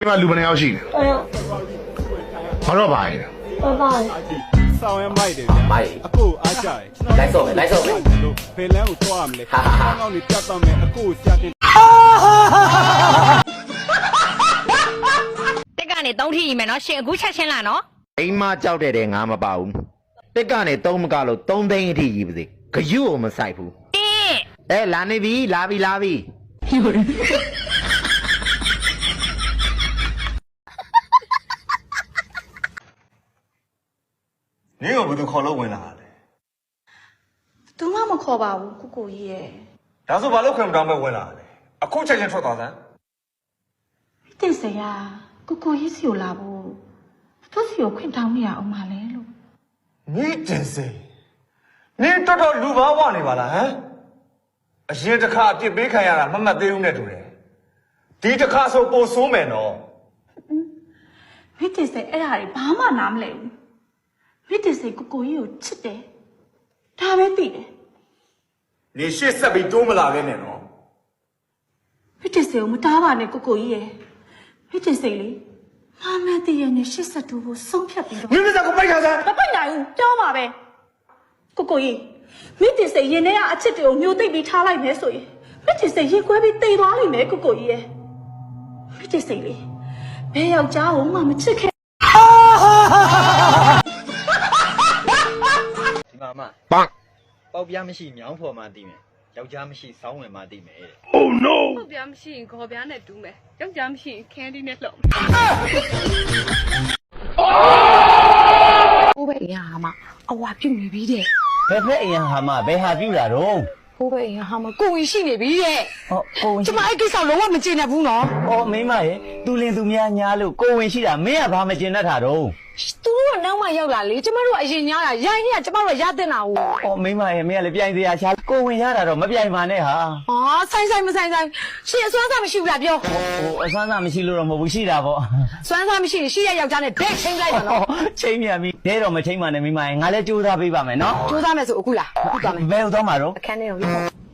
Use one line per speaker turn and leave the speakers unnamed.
ဒီမှာလူဘယ်နှယောက်ရှိလဲဘာတော့ပါလဲ
ဆောင်းရမိုက်တယ်ဗျာအခုအားကြတယ်လိုက်ဆော့မယ်ဘယ်လမ်းကိုသွားရမလဲကောင်းနေပြတ်သွားမယ်အခုဆရာတင်
တက်ကနေ3ထိရီမယ်နော်ရှင်အခုချက်ချင်းလာနော်
အိမ်မကြောက်တဲ့ငါမပါဘူးတက်ကနေ3မကလို့3သိန်းအထိကြီးပါစေဂယုကိုမဆိုင်ဘူးလာနေပြီလာပြီ
နင်းကဘယ်သူခေါ်လို့ဝင်လာတာလဲ
သူမှမခေါ်ပါဘူးကိုကိုကြီးရဲ့
ဒါဆိုဘာလို့ခွင့်မတောင်းမဲ့ဝင်လာတာလဲအခုချက်ချင်းထွက်သွားစမ်း
တင်စရာကိုကိုကြီးစီကိုလာဖို့သူစီကိုခွင့်တောင်းနေရအောင်မလဲလို့
နင်းတင်စေနင်းတော်တော်လူဘာဝနေပါလားဟမ်အရင်တစ်ခါအပြစ်ပေးခံရတာမမှတ်သေးဘူးနဲ့တူတယ်ဒီတစ်ခါဆိုပိုဆိုးမယ်နော်
မိတင်စအဲ့ဒါတွေဘာမှနားမလဲဘူးမိတင်စကိုကိုကြီးကိုချစ်တယ်ဒါပဲသိတယ်
နေရှေ့ဆက်ပြီးတိုးမလာခဲ့နဲ့နော်
မိတင်စကိုမတားပါနဲ့ကိုကိုကြီးရဲ့မိတင်စလေမမတည့်ရနဲ့ရှစ်ဆက်တူဖို့ဆုံးဖြတ်ပြီးတော့
မင်းမစကိုပိုက်ခါစမ်း
မပိုက်နိုင်ဘူးပြောပါပဲကိုကိုကြီးမိတင်စရင်ထဲကအချစ်တွေကိုမျိုးသိပ်ပြီးထားလိုက်မယ်ဆိုရင်မိတင်စရင်ခွဲပြီးတိတ်သွားလိမ့်မယ်ကိုကိုကြီးရဲ့မိတင်စလေဘယ်ယောက်ျားကိုမှမချစ်ခဲ့
ဒီမှာမပေါက်ပြားမရှိမြောင်းဖော်မှသိမယ်ယောက်ျားမရှိစောင်းဝင်မှသိမယ်တဲ့
Oh no
ဟုတ်ပြားမရှိရင်ခေါ်ပြားနဲ့တူးမယ်ယောက်ျားမရှိရင်ခန်းဒီနဲ့လှုပ်
ဟိုဘက်အရင်ဟာမအဝါပြုတ်နေပြီတဲ့
ဘယ်ဖက်အရင်ဟာမဘယ်ဟာပြူလာတော့
ဟိုဘက်အရင်ဟာမကိုဝင်ရှိနေပြီတဲ့
ဟောကိုဝင်
ကျမအဲ့ကိစ္စလုံးဝမကျေနပ်ဘူးနော်
ဟောမိမရဲ့သူလင်သူများညားလို့ကိုဝင်ရှိတာမင်းကဘာမကျင်တတ်တာတော့
သူတို့ကနောက်မှရောက်လာလေကျမတို့ကအရင်ညားတာရိုင်းနေကကျမတို့ကရတဲ့နာကို
ဟောမိမရဲ့မင်းကလည်းပြိုင်စရာရှာကိုဝင်ရတာတော့မပြိုင်ပါနဲ့ဟာ
ဟာဆိုင်မဆိုင်ရှင်အစွမ်းစားမရှိဘူးလားပြော
ဟိုအဆန်းစားမရှိလို့တော့မဟုတ်ဘူးရှိတာပေါ့
စွမ်းစားမရှိရင်ရှိရယောက်ျားနဲ့ဒက်ချင်းလိုက်ပါနော်
ချိန်မြန်ပြီဒဲတော့မချိန်ပါနဲ့မိမရဲ့ငါလည်းကြိုးစားပေးပါမယ်နော်
ကြိုးစားမယ်ဆိုအခုလားအခုသွားမယ်
ဘယ်ဟုတ်သွားမှာတော့
အခန်းထဲကိုရောက်